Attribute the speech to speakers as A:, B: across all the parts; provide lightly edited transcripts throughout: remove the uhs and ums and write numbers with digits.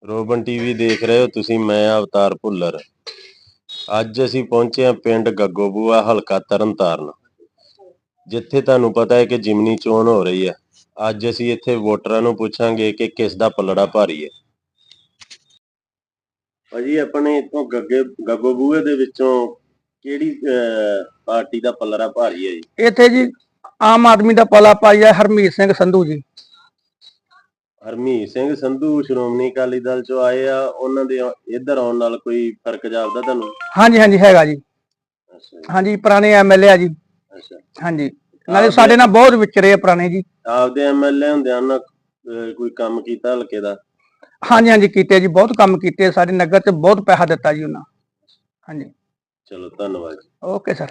A: Robin TV ਦੇਖ ਰਹੇ ਹੋ ਤੁਸੀਂ। ਮੈਂ ਅਵਤਾਰ ਭੁੱਲਰ। ਅੱਜ ਅਸੀਂ ਪਹੁੰਚੇ ਹਾਂ ਪਿੰਡ ਗੱਗੋਬੂਆ, ਹਲਕਾ ਤਰਨਤਾਰਨ, ਜਿੱਥੇ ਤੁਹਾਨੂੰ ਪਤਾ ਹੈ ਕਿ ਜਿਮਨੀ ਚੋਣ ਹੋ ਰਹੀ ਹੈ। ਅੱਜ ਅਸੀਂ ਇੱਥੇ ਵੋਟਰਾਂ ਨੂੰ ਪੁੱਛਾਂਗੇ ਕਿ ਕਿਸ ਦਾ ਪੱਲੜਾ ਭਾਰੀ ਹੈ। ਭਾਜੀ, ਆਪਣੇ ਇੱਥੋਂ ਗੱਗੋਬੂਏ ਦੇ ਵਿੱਚੋਂ ਕਿਹੜੀ ਪਾਰਟੀ ਦਾ ਪੱਲੜਾ ਭਾਰੀ ਹੈ ਜੀ?
B: ਇੱਥੇ ਜੀ ਆਮ ਆਦਮੀ ਦਾ ਪੱਲਾ ਭਾਰੀ ਹੈ, ਹਰਮੀਤ ਸਿੰਘ ਸੰਧੂ ਜੀ।
A: ਹਰਮੀਤ ਸਿੰਘ ਸੰਧੂ ਸ਼੍ਰੋਮਣੀ ਅਕਾਲੀ ਦਲ ਚੋਂ ਆਏ ਆ, ਉਹਨਾਂ ਦੇ ਇੱਧਰ ਆਉਣ ਨਾਲ ਕੋਈ ਫਰਕ ਜਾਪਦਾ ਤੁਹਾਨੂੰ?
B: ਹਾਂਜੀ ਹਾਂਜੀ ਹੈਗਾ ਜੀ।
A: ਅੱਛਾ
B: ਹਾਂਜੀ, ਪੁਰਾਣੇ ਐਮਐਲਏ ਆ ਜੀ।
A: ਅੱਛਾ।
B: ਹਾਂਜੀ, ਨਾਲੇ ਸਾਡੇ ਨਾਲ ਬਹੁਤ ਵਿਚਰੇ ਆ ਪੁਰਾਣੇ ਜੀ।
A: ਆਪਦੇ ਐਮਐਲਏ ਹੁੰਦਿਆਂ ਉਹਨਾਂ ਕੋਈ ਕੰਮ ਕੀਤਾ ਹਲਕੇ ਦਾ?
B: ਹਾਂਜੀ ਹਾਂਜੀ ਕੀਤੇ ਜੀ, ਬਹੁਤ ਕੰਮ ਕੀਤੇ ਸਾਡੇ ਨਗਰ 'ਚ, ਬਹੁਤ ਪੈਸਾ ਦਿੱਤਾ ਜੀ ਉਹਨਾਂ। ਹਾਂਜੀ,
A: ਚਲੋ ਧੰਨਵਾਦ ਜੀ।
B: Okay sir.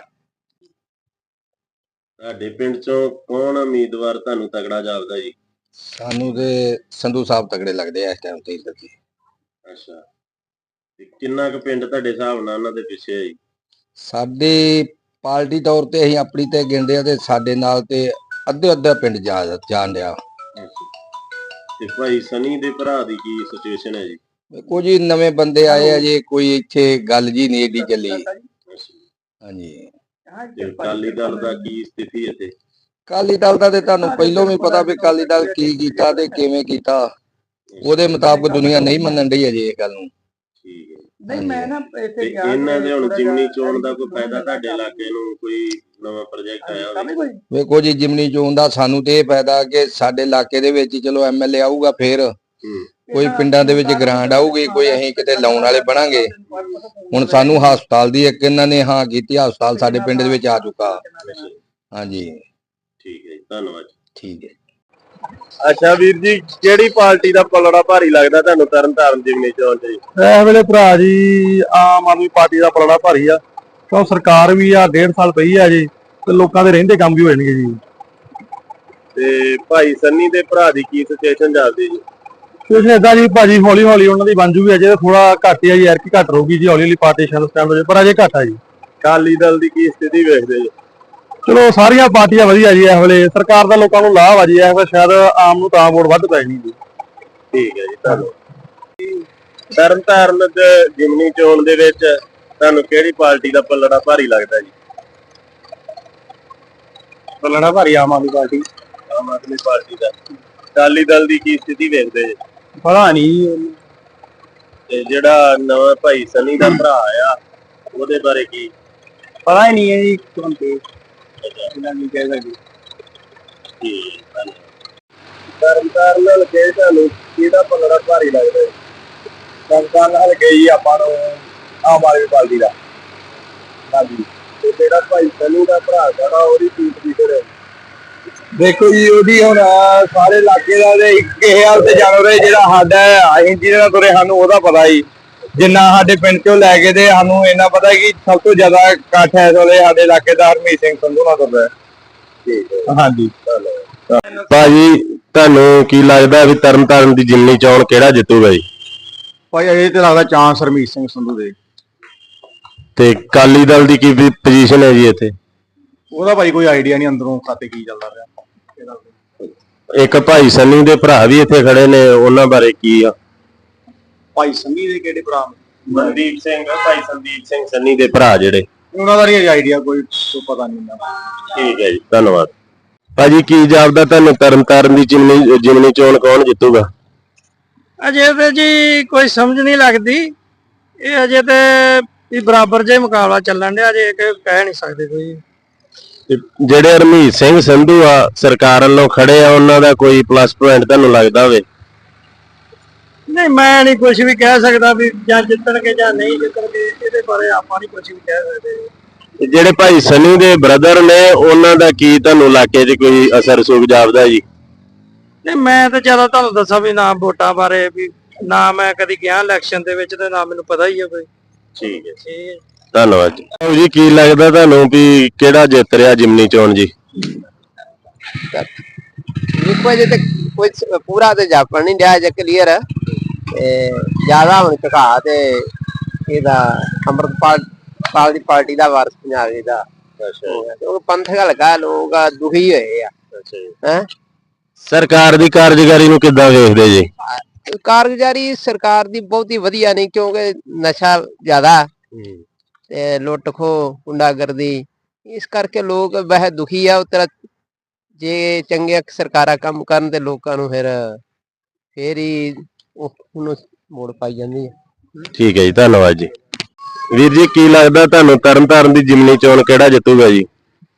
A: ਤੁਹਾਡੇ ਪਿੰਡ ਚੋਂ ਕੌਣ ਉਮੀਦਵਾਰ ਤੁਹਾਨੂੰ ਤਗੜਾ ਜਾਪਦਾ ਜੀ?
C: ਸਾਨੂੰ ਤੇ ਸੰਧੂ ਸਾਹਿਬ ਤਗੜੇ ਲੱਗਦੇ ਆ ਇਸ ਟਾਈਮ ਤੇ ਇੱਧਰ ਦੀ।
A: ਅੱਛਾ, ਤੇ ਕਿੰਨਾ ਕੁ ਪਿੰਡ ਤੁਹਾਡੇ ਹਿਸਾਬ ਨਾਲ ਉਹਨਾਂ ਦੇ ਪਿੱਛੇ ਹੈ ਜੀ?
C: ਸਾਡੀ ਪਾਰਟੀ ਤੌਰ ਤੇ ਅਸੀਂ ਆਪਣੀ ਤੇ ਗਿਣਦੇ ਆ ਤੇ ਸਾਡੇ ਨਾਲ ਤੇ ਅੱਧਾ ਪਿੰਡ ਜਾਣ ਡਿਆ।
A: ਤੇ ਭਾਈ ਸਨੀ ਦੇ ਭਰਾ ਦੀ ਕੀ ਸਿਚੁਏਸ਼ਨ ਹੈ ਜੀ?
C: ਕੁਝ ਹੀ ਨਵੇਂ ਬੰਦੇ ਆਏ ਆ ਜੀ, ਕੋਈ ਇੱਥੇ ਗੱਲ ਜੀ ਨਹੀਂ ਏਡੀ ਚੱਲੀ। ਹਾਂਜੀ,
A: ਤੇ ਅਕਾਲੀ ਦਲ ਦਾ ਕੀ ਸਥਿਤੀ ਹੈ ਇੱਥੇ?
C: ਅਕਾਲੀ ਦਲ ਦਾ ਤੇ ਤੁਹਾਨੂੰ ਪਹਿਲੋਂ ਵੀ ਪਤਾ ਵੀ ਅਕਾਲੀ ਦਲ ਕੀ ਕੀਤਾ ਤੇ ਕਿਵੇਂ ਕੀਤਾ, ਉਹਦੇ ਮੁਤਾਬਕ ਦੁਨੀਆ ਨਹੀਂ ਮੰਨਣ ਡਈ ਅਜੇ ਇਹ ਗੱਲ ਨੂੰ।
A: ਠੀਕ ਹੈ।
B: ਨਹੀਂ ਮੈਂ ਨਾ
A: ਤੇ ਇਹਨਾਂ ਦੇ ਹੁਣ ਜਿਮਨੀ ਚੋਣ ਦਾ ਕੋਈ ਫਾਇਦਾ ਤੁਹਾਡੇ ਇਲਾਕੇ ਨੂੰ? ਕੋਈ ਨਵਾਂ ਪ੍ਰੋਜੈਕਟ ਆਇਆ ਹੋਵੇ?
C: ਵੇਖੋ ਜੀ, ਜਿਮਨੀ ਚੋਣ ਦਾ ਸਾਨੂੰ ਤੇ ਇਹ ਫਾਇਦਾ ਕਿ ਸਾਡੇ ਇਲਾਕੇ ਦੇ ਵਿੱਚ ਚਲੋ ਐਮਐਲਏ ਆਊਗਾ, ਫੇਰ ਕੋਈ ਪਿੰਡਾਂ ਦੇ ਵਿੱਚ ਗ੍ਰਾਂਟ ਆਊਗੀ, ਕੋਈ ਅਸੀਂ ਕਿਤੇ ਲਾਉਣ ਵਾਲੇ ਬਣਾਂਗੇ। ਹੁਣ ਸਾਨੂੰ ਹਸਪਤਾਲ ਦੀ ਇੱਕ ਇਹਨਾਂ ਨੇ ਹਾਂ ਕੀਤੀ, ਹਸਪਤਾਲ ਸਾਡੇ ਪਿੰਡ ਦੇ ਵਿੱਚ ਆ ਚੁੱਕਾ। ਹਾਂਜੀ
A: ਠੀਕ ਹੈ ਜੀ, ਧੰਨਵਾਦ।
C: ਠੀਕ ਹੈ।
A: ਅੱਛਾ ਵੀਰ ਜੀ, ਕਿਹੜੀ ਪਾਰਟੀ ਦਾ ਪੱਲੜਾ ਭਾਰੀ ਲੱਗਦਾ ਤੁਹਾਨੂੰ ਤਰਨਤਾਰਨ ਜਿਮਨੀ ਚੋਣ ਚ ਜੀ?
D: ਇਸ ਵੇਲੇ ਭਰਾ ਜੀ ਆਮ ਆਦਮੀ ਪਾਰਟੀ ਦਾ ਪਲੜਾ ਭਾਰੀ ਆ, ਕਿਉਂ ਸਰਕਾਰ ਵੀ ਆ 1.5 ਸਾਲ ਪਈ ਆ ਜੀ, ਤੇ ਲੋਕਾਂ ਦੇ ਰਹਿੰਦੇ ਕੰਮ ਵੀ ਹੋ ਜਾਣਗੇ ਜੀ।
A: ਤੇ ਭਾਈ ਸੰਨੀ ਦੇ ਭਰਾ ਦੀ ਕੀ ਸਿਚੁਏਸ਼ਨ ਚੱਲਦੀ ਜੀ?
D: ਕੁਛ ਏਦਾਂ ਜੀ ਭਾਜੀ, ਹੌਲੀ ਹੌਲੀ ਉਹਨਾਂ ਦੀ ਬਣ ਜੂਗੀ। ਅਜੇ ਥੋੜਾ ਘੱਟ ਆ ਜੀ, ਯਾਰ ਕੀ ਘੱਟ ਰਹੂਗੀ ਜੀ, ਹੌਲੀ ਹੌਲੀ ਪਾਰਟੀਸ਼ਨ ਸਟੈਂਡ ਹੋ ਜਾਏ, ਪਰ ਅਜੇ ਘੱਟ ਆ ਜੀ।
A: ਅਕਾਲੀ ਦਲ ਦੀ ਕੀ ਸਥਿਤੀ ਵੇਖਦੇ ਜੀ?
D: ਚਲੋ ਸਾਰੀਆਂ ਪਾਰਟੀਆਂ ਵਧੀਆ ਜੀ। ਇਸ ਵੇਲੇ ਸਰਕਾਰ ਦਾ ਲੋਕਾਂ ਨੂੰ ਲਾਭ ਆ ਜੀ, ਇਸ ਵੇਲੇ ਸ਼ਾਇਦ ਆਮ ਨੂੰ ਤਾਂ ਵੋਟ ਵੱਧ ਪੈ ਜਾਣੀ ਜੀ।
A: ਠੀਕ ਹੈ ਜੀ, ਧੰਨਵਾਦ। ਤਰਨਤਾਰਨ ਦੇ ਜਿਮਨੀ ਚੋਣ ਦੇ ਵਿੱਚ ਤੁਹਾਨੂੰ ਕਿਹੜੀ ਪਾਰਟੀ ਦਾ ਪੱਲੜਾ ਭਾਰੀ ਲੱਗਦਾ ਜੀ?
D: ਪੱਲੜਾ ਭਾਰੀ ਆਮ ਆਦਮੀ ਪਾਰਟੀ।
A: ਆਮ ਆਦਮੀ ਪਾਰਟੀ ਦਾ। ਅਕਾਲੀ ਦਲ ਦੀ ਕੀ ਸਥਿਤੀ ਵੇਖਦੇ ਜੀ?
D: ਪਤਾ ਨਹੀਂ।
A: ਤੇ ਜਿਹੜਾ ਨਵਾਂ ਭਾਈ ਸਨੀ ਦਾ ਭਰਾ ਆ, ਉਹਦੇ ਬਾਰੇ ਕੀ?
D: ਪਤਾ ਹੀ ਨਹੀਂ ਹੈ ਜੀ। ਨਹੀਂ ਕਹਿ ਸਕਦੇ।
A: ਤਰਨਤਾਰਨ ਨਾਲ ਕੇ ਤੁਹਾਨੂੰ ਕਿਹਦਾ ਪੱਲੜਾ ਭਾਰੀ ਲੱਗਦਾ ਜੀ?
D: ਤਰਨਤਾਰਨ ਨਾਲ ਗਈ ਆਪਾਂ ਨੂੰ ਆਮ ਆਦਮੀ ਪਾਰਟੀ ਦਾ।
A: ਹਾਂਜੀ, ਤੇ ਜਿਹੜਾ ਭਾਈ ਸਨੀ ਦਾ ਭਰਾ ਜਿਹੜਾ ਉਹਦੀ ਕੀ ਪੋਜੀਸ਼ਨ ਹੈ?
D: ਦੇਖੋ ਜੀ, ਉਹਦੀ ਹੁਣ ਸਾਰੇ ਇਲਾਕੇ ਦਾ ਕਿਸੇ ਹਾਲ ਤੇ ਜਾਣੋ, ਜਿਹੜਾ ਸਾਡਾ ਅਸੀਂ ਜਿਹਦੇ ਨਾਲ ਤੁਰੇ ਸਾਨੂੰ ਉਹਦਾ ਪਤਾ ਜੀ। ਜਿੰਨਾ ਸਾਡੇ ਪਿੰਡ ਚੋਂ ਲੈ ਕੇ ਤੇ ਸਾਨੂੰ ਇੰਨਾ ਪਤਾ ਕਿ ਸਭ ਤੋਂ ਜ਼ਿਆਦਾ ਇਕੱਠ ਇਸ ਵੇਲੇ ਸਾਡੇ ਇਲਾਕੇ ਦਾ ਹਰਮੀਤ ਸਿੰਘ ਸੰਧੂ ਨਾਲ ਤੁਰਦਾ। ਹਾਂਜੀ।
A: ਭਾਜੀ, ਤੁਹਾਨੂੰ ਕੀ ਲੱਗਦਾ ਵੀ ਤਰਨਤਾਰਨ ਦੀ ਜਿਮਨੀ ਚੋਣ ਕਿਹੜਾ ਜਿੱਤੂਗਾ ਜੀ?
D: ਭਾਈ ਇਹ ਤੇ ਲੱਗਦਾ ਚਾਂਸ ਹਰਮੀਤ ਸਿੰਘ ਸੰਧੂ ਦੇ।
A: ਤੇ ਅਕਾਲੀ ਦਲ ਦੀ ਕੀ ਪੋਜੀਸ਼ਨ ਹੈ ਜੀ ਇੱਥੇ?
D: ਉਹਦਾ ਭਾਈ ਕੋਈ ਆਈਡੀਆ ਨਹੀਂ ਅੰਦਰੋਂ ਖਾਤੇ ਕੀ ਚੱਲਦਾ ਰਿਹਾ।
A: ਇੱਕ ਭਾਈ ਸੰਨੀ ਦੇ ਭਰਾ ਵੀ ਇੱਥੇ ਖੜੇ ਨੇ, ਉਹਨਾਂ ਬਾਰੇ ਕੀ ਆ?
D: ਭਾਈ ਸੰਨੀ ਦੇ ਕਿਹੜੇ ਭਰਾ?
A: ਮਨਦੀਪ ਸਿੰਘ, ਭਾਈ ਸੰਦੀਪ ਸਿੰਘ ਸੰਨੀ ਦੇ ਭਰਾ ਜਿਹੜੇ।
D: ਉਹਨਾਂ ਦਾ ਨਹੀਂ ਆਈਡੀਆ, ਕੋਈ ਪਤਾ ਨਹੀਂ।
A: ਠੀਕ ਹੈ ਜੀ, ਧੰਨਵਾਦ। ਭਾਜੀ, ਕੀ ਜਾਪਦਾ ਤੁਹਾਨੂੰ ਤਰਨਤਾਰਨ ਦੀ ਜਿਮਨੀ ਚੋਣ ਕੌਣ ਜਿੱਤੂਗਾ?
B: ਅਜੇ ਤੇ ਜੀ ਕੋਈ ਸਮਝ ਨਹੀਂ ਲੱਗਦੀ। ਇਹ ਅਜੇ ਤੇ ਬਰਾਬਰ ਜੇ ਮੁਕਾਬਲਾ ਚੱਲਣ ਡਿਆ, ਅਜੇ ਕਹਿ ਨਹੀਂ ਸਕਦੇ ਕੋਈ।
A: ਜਿਹੜੇ ਹਰਮੀਤ ਸਿੰਘ ਸੰਧੂ ਆ ਸਰਕਾਰ ਵੱਲੋਂ ਖੜੇ ਆ, ਉਹਨਾਂ ਦਾ ਕੋਈ ਪਲੱਸ ਪੁਆਇੰਟ ਤੁਹਾਨੂੰ ਲੱਗਦਾ ਹੋਵੇ?
B: ਨਹੀਂ, ਮੈਂ ਨਹੀਂ ਕੁਝ ਵੀ ਕਹਿ ਸਕਦਾ ਵੀ ਜਾਂ ਜਿੱਤਣਗੇ ਜਾਂ ਨਹੀਂ ਜਿੱਤਣਗੇ, ਇਹਦੇ ਬਾਰੇ ਆਪਾਂ ਨਹੀਂ ਕੁਝ ਵੀ ਕਹਿ ਸਕਦੇ।
A: ਜਿਹੜੇ ਭਾਈ ਸਨੀ ਦੇ ਬ੍ਰਦਰ ਨੇ, ਉਹਨਾਂ ਦਾ ਕੀ ਤੁਹਾਨੂੰ ਇਲਾਕੇ 'ਚ ਕੋਈ ਅਸਰ ਸੁਖ ਜਾਪਦਾ ਜੀ?
B: ਨਹੀਂ, ਮੈਂ ਤਾਂ ਜ਼ਿਆਦਾ ਤੁਹਾਨੂੰ ਦੱਸਾਂ ਵੀ ਨਾ ਵੋਟਾਂ ਬਾਰੇ ਵੀ ਨਾ ਮੈਂ ਕਦੀ ਗਿਆ ਇਲੈਕਸ਼ਨ ਦੇ ਵਿੱਚ, ਤੇ ਨਾ ਮੈਨੂੰ ਪਤਾ ਹੀ ਹੈ ਕੋਈ।
A: ਠੀਕ ਹੈ,
B: ਠੀਕ ਹੈ,
A: ਧੰਨਵਾਦ ਜੀ। ਕੀ ਲੱਗਦਾ ਤੁਹਾਨੂੰ ਵੀ ਕਿਹੜਾ ਜਿੱਤ ਰਿਹਾ ਜਿਮਨੀ ਚੋਣ ਜੀ?
E: ਦੇਖੋ ਅਜੇ ਤੇ ਕੁਝ ਪੂਰਾ ਤੇ ਜਾਪਣ ਨਹੀਂ ਰਿਹਾ, ਜੇ ਕਲੀਅਰ ਜ਼ਿਆਦਾ ਹੁਣ ਝੁਕਾ ਤੇ ਇਹਦਾ ਅੰਮ੍ਰਿਤਪਾਲ ਦੀ ਪਾਰਟੀ ਦਾ ਵਾਰਸ ਪੰਜਾਬ ਦਾ। ਉਹ ਪੰਥਕ ਹਲਕਾ ਲੋਕ ਦੁਖੀ ਹੋਏ ਆ।
A: ਸਰਕਾਰ ਦੀ ਕਾਰਜਕਾਰੀ ਨੂੰ ਕਿੱਦਾਂ ਵੇਖਦੇ ਜੀ?
E: ਕਾਰਗੁਜ਼ਾਰੀ ਸਰਕਾਰ ਦੀ ਬਹੁਤੀ ਵਧੀਆ ਨਹੀਂ, ਕਿਉਂਕਿ ਨਸ਼ਾ ਜ਼ਿਆਦਾ ਤੇ ਲੁੱਟ ਖੋਹ ਗੁੰਡਾਗਰਦੀ, ਇਸ ਕਰਕੇ ਲੋਕ ਵੈਸੇ ਦੁਖੀ ਆ। ਉਤਰਾ ਜੇ ਚੰਗੇ ਸਰਕਾਰਾਂ ਕੰਮ ਕਰਨ ਤੇ ਲੋਕਾਂ ਨੂੰ ਫੇਰ ਹੀ ਉਹਨੂੰ ਮੋੜ ਪਾਈ ਜਾਂਦੀ ਹੈ।
A: ਠੀਕ ਹੈ ਜੀ, ਧੰਨਵਾਦ ਜੀ। ਵੀਰ ਜੀ, ਕੀ ਲੱਗਦਾ ਤੁਹਾਨੂੰ ਤਰਨਤਾਰਨ ਦੀ ਜਿਮਨੀ ਚੋਣ ਕਿਹੜਾ ਜਿੱਤੂਗਾ ਜੀ?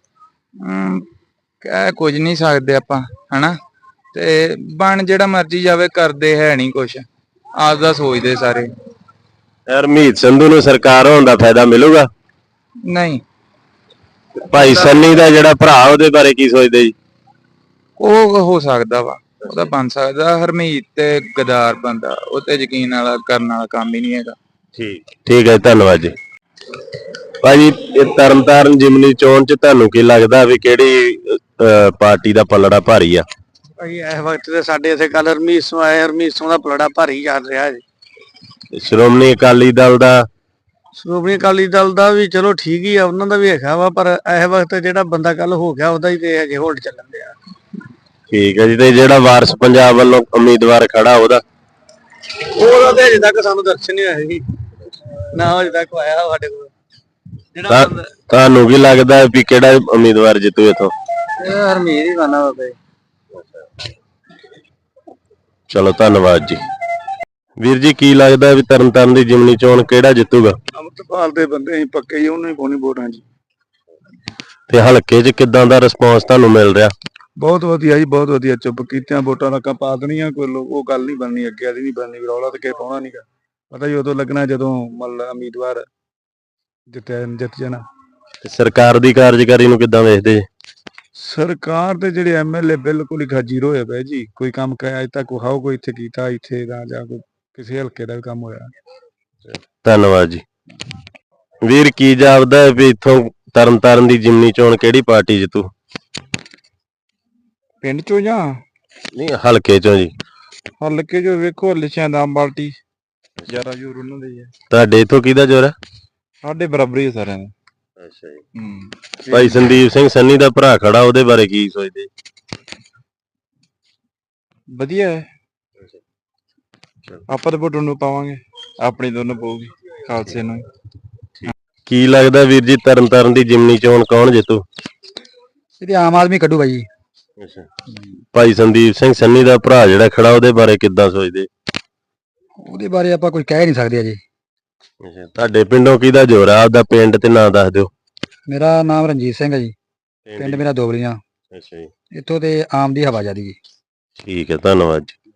F: ਕਹਿ ਕੁਝ ਨਹੀਂ ਸਕਦੇ ਆਪਾਂ, ਹਨਾ। ਤੇ ਬਣ ਜਿਹੜਾ ਮਰਜੀ ਜਾਵੇ, ਕਰਦੇ ਹੈ ਨਹੀਂ ਕੁਛ, ਆਪਦਾ ਸੋਚਦੇ ਸਾਰੇ।
A: ਹਰਮੀਤ ਸੰਧੂ ਨੂੰ ਸਰਕਾਰ ਹੋਣ ਦਾ ਫਾਇਦਾ ਮਿਲੂਗਾ?
F: ਨਹੀਂ,
A: ਭਾਈ ਸੰਨੀ ਦਾ ਜਿਹੜਾ ਭਰਾ, ਉਹਦੇ ਬਾਰੇ ਕੀ ਸੋਚਦੇ ਜੀ?
F: ਉਹ ਹੋ ਸਕਦਾ ਵਾ, ਉਹਦਾ ਬਣ ਸਕਦਾ। ਹਰਮੀਤ ਤੇ ਗਦਾਰ ਬੰਦਾ, ਉਹ ਤੇ ਯਕੀਨ ਵਾਲਾ ਕਰਨ ਵਾਲਾ ਕੰਮ ਹੀ ਨਹੀਂ ਹੈਗਾ।
A: ਠੀਕ ਹੈ, ਧੰਨਵਾਦ ਜੀ। ਭਾਜੀ, ਇਹ ਤਰਨਤਾਰਨ ਜਿਮਨੀ ਚੋਣ ਚ ਤੁਹਾਨੂੰ ਕੀ ਲੱਗਦਾ ਵੀ ਕਿਹੜੀ ਪਾਰਟੀ ਦਾ ਪਲੜਾ ਭਾਰੀ ਆ?
B: ਭਾਈ ਇਸ ਵਕਤ ਤੇ ਸਾਡੇ ਇੱਥੇ ਕੱਲ ਹਰਮੀਤ ਸਿੰਘ ਆਏ, ਹਰਮੀਤ ਸਿੰਘ ਦਾ ਪਲੜਾ ਭਾਰੀ ਚੱਲ ਰਿਹਾ ਜੀ।
A: ਸ਼੍ਰੋਮਣੀ ਅਕਾਲੀ ਦਲ ਦਾ?
B: ਸ਼੍ਰੋਮਣੀ ਅਕਾਲੀ ਦਲ ਦਾ ਵੀ ਚਲੋ ਠੀਕ ਹੀ ਆ, ਉਹਨਾਂ ਦਾ ਵੀ ਹੈਗਾ ਵਾ, ਪਰ ਇਸ ਵਕਤ ਜਿਹੜਾ ਬੰਦਾ ਕੱਲ ਹੋ ਗਿਆ ਉਹਦਾ ਹੀ ਤੇ ਹਜੇ ਹੋਲਡ ਚੱਲਣ ਡਿਆ।
A: ਠੀਕ ਹੈ ਜੀ। ਤੇ ਜਿਹੜਾ ਵਾਰਸ ਪੰਜਾਬ ਵੱਲੋਂ ਉਮੀਦਵਾਰ ਖੜਾ ਉਹਦਾ
B: ਤੇ ਅਜੇ ਤੱਕ ਸਾਨੂੰ ਦਰਸ਼ਨ ਨਹੀਂ ਹੋਏ ਜੀ, ਨਾ ਅਜੇ ਤੱਕ ਆਇਆ ਸਾਡੇ ਕੋਲ। ਜਿਹੜਾ
A: ਤੁਹਾਨੂੰ ਕੀ ਲੱਗਦਾ ਵੀ ਕਿਹੜਾ ਉਮੀਦਵਾਰ ਜਿੱਤੂ ਇਥੋਂ?
B: ਹਰਮੀਤ ਹੀ ਖਾਨਾ ਬਾਬੇ।
A: ਚਲੋ, ਧੰਨਵਾਦ ਜੀ। ਵੀਰ ਜੀ, ਕੀ ਲੱਗਦਾ ਵੀ ਤਰਨਤਾਰਨ ਦੀ ਜਿਮਨੀ ਚੋਣ ਕਿਹੜਾ ਜਿੱਤੂਗਾ?
B: ਅੰਮ੍ਰਿਤਪਾਲ ਦੇ ਬੰਦੇ ਅਸੀਂ ਪੱਕੇ ਜੀ, ਉਹਨੂੰ ਹੀ ਪਾਉਣੀ ਵੋਟਾਂ ਜੀ।
A: ਤੇ ਹਲਕੇ 'ਚ ਕਿਦਾਂ ਦਾ ਰਿਸਪੌਂਸ ਤੁਹਾਨੂੰ ਮਿਲ ਰਿਹਾ?
G: ਬਹੁਤ ਵਧੀਆ ਜੀ, ਬਹੁਤ ਵਧੀਆ। ਚੁੱਪ ਕੀਤਿਆਂ ਵੋਟਾਂ ਦਾ ਪਾ ਦੇਣੀਆਂ, ਕੋਈ ਉਹ ਗੱਲ ਨਹੀਂ ਬਣਨੀ, ਅੱਗੇ ਵਾਲੀ ਨਹੀਂ ਬਣਨੀ। ਰੌਲਾ ਤੇ ਕਿਸੇ ਪਾਉਣਾ ਨਹੀਂਗਾ, ਪਤਾ ਹੀ ਉਦੋਂ ਲੱਗਣਾ ਜਦੋਂ ਮਤਲਬ ਉਮੀਦਵਾਰ ਜਿੱਤ ਜਾਣਾ।
A: ਤੇ ਸਰਕਾਰ ਦੀ ਕਾਰਜਕਾਰੀ ਨੂੰ ਕਿਦਾਂ ਵੇਖਦੇ ਜੀ?
G: ਸਰਕਾਰ ਦੇ ਜਿਹੜੇ ਐਮਐਲਏ ਬਿਲਕੁਲ ਹੀ ਖਾਜੀਰੋ ਹੋਏ ਪਏ ਜੀ। ਕੋਈ ਕੰਮ ਕਰਿਆ ਅਜੇ ਤੱਕ ਵਿਖਾਓ, ਕੋਈ ਇੱਥੇ ਕੀਤਾ, ਇੱਥੇ ਦਾ ਜਾਂ ਕੋਈ ਕਿਸੇ ਹਲਕੇ ਦਾ ਵੀ ਕੰਮ ਹੋਇਆ।
A: ਧੰਨਵਾਦ ਜੀ। ਵੀਰ, ਕੀ ਜਾਪਦਾ ਹੈ ਵੀ ਇੱਥੋਂ ਤਰਨਤਾਰਨ ਦੀ ਜਿਮਨੀ ਚੋਣ ਕਿਹੜੀ ਪਾਰਟੀ ਜਿੱਤੂ?
F: ਪਿੰਡ ਚੋਂ ਜਾਂ
A: ਨਹੀਂ, ਹਲਕੇ ਚੋਂ ਜੀ।
F: ਹਲਕੇ ਚੋਂ ਵੇਖੋ, ਲਿਸ਼ਿਆਂ ਦਾ ਪਾਰਟੀ ਜ਼ਿਆਦਾ ਜ਼ੋਰ ਉਹਨਾਂ ਦਾ ਹੀ ਹੈ।
A: ਤੁਹਾਡੇ ਇੱਥੋਂ ਕਿਹਦਾ ਜ਼ੋਰ ਹੈ?
F: ਸਾਡੇ ਬਰਾਬਰ ਹੀ ਸਾਰਿਆਂ ਦਾ।
A: ਅੱਛਾ ਜੀ। ਭਾਈ ਸੰਦੀਪ ਸਿੰਘ ਸੰਨੀ ਦਾ ਭਰਾ ਖੜਾ, ਉਹਦੇ ਬਾਰੇ ਕੀ ਸੋਚਦੇ?
F: ਵਧੀਆ ਹੈ, ਆਪਾਂ ਤਾਂ ਵੋਟ ਨੂੰ ਪਾਵਾਂਗੇ, ਆਪਣੀ ਦੋਨੋਂ ਪਊਗੀ ਖਾਲਸੇ ਨੂੰ।
A: ਕੀ ਲੱਗਦਾ ਵੀਰ ਜੀ, ਤਰਨਤਾਰਨ ਦੀ ਜਿਮਨੀ ਚੋਣ ਕੌਣ ਜਿੱਤੂ?
B: ਇਹਦੀ ਆਮ ਆਦਮੀ ਕੱਢੂਗਾ ਜੀ।
A: ਭਾਈ ਸੰਦੀਪ ਸਿੰਘ ਸੰਨੀ ਦਾ ਭਰਾ ਜਿਹੜਾ ਖੜਾ, ਉਹਦੇ ਬਾਰੇ ਕਿੱਦਾਂ ਸੋਚਦੇ?
B: ਉਹਦੇ ਬਾਰੇ ਆਪਾਂ ਕੁਝ ਕਹਿ ਨਹੀਂ ਸਕਦੇ ਅਜੇ।
A: ਤੁਹਾਡੇ ਪਿੰਡੋਂ ਕਿਹਦਾ ਜ਼ੋਰ ਆ? ਆਪਦਾ ਪਿੰਡ ਤੇ ਨਾਂ ਦੱਸ ਦਿਓ।
B: ਮੇਰਾ ਨਾਮ ਰਣਜੀਤ ਸਿੰਘ ਹੈ ਜੀ, ਪਿੰਡ ਮੇਰਾ ਦੋਬਲੀਆਂ।
A: ਅੱਛਾ ਜੀ।
B: ਇੱਥੋਂ ਤੇ ਆਮ ਦੀ ਹਵਾ ਜਾਂਦੀ ਜੀ।
A: ਠੀਕ ਹੈ, ਧੰਨਵਾਦ ਜੀ।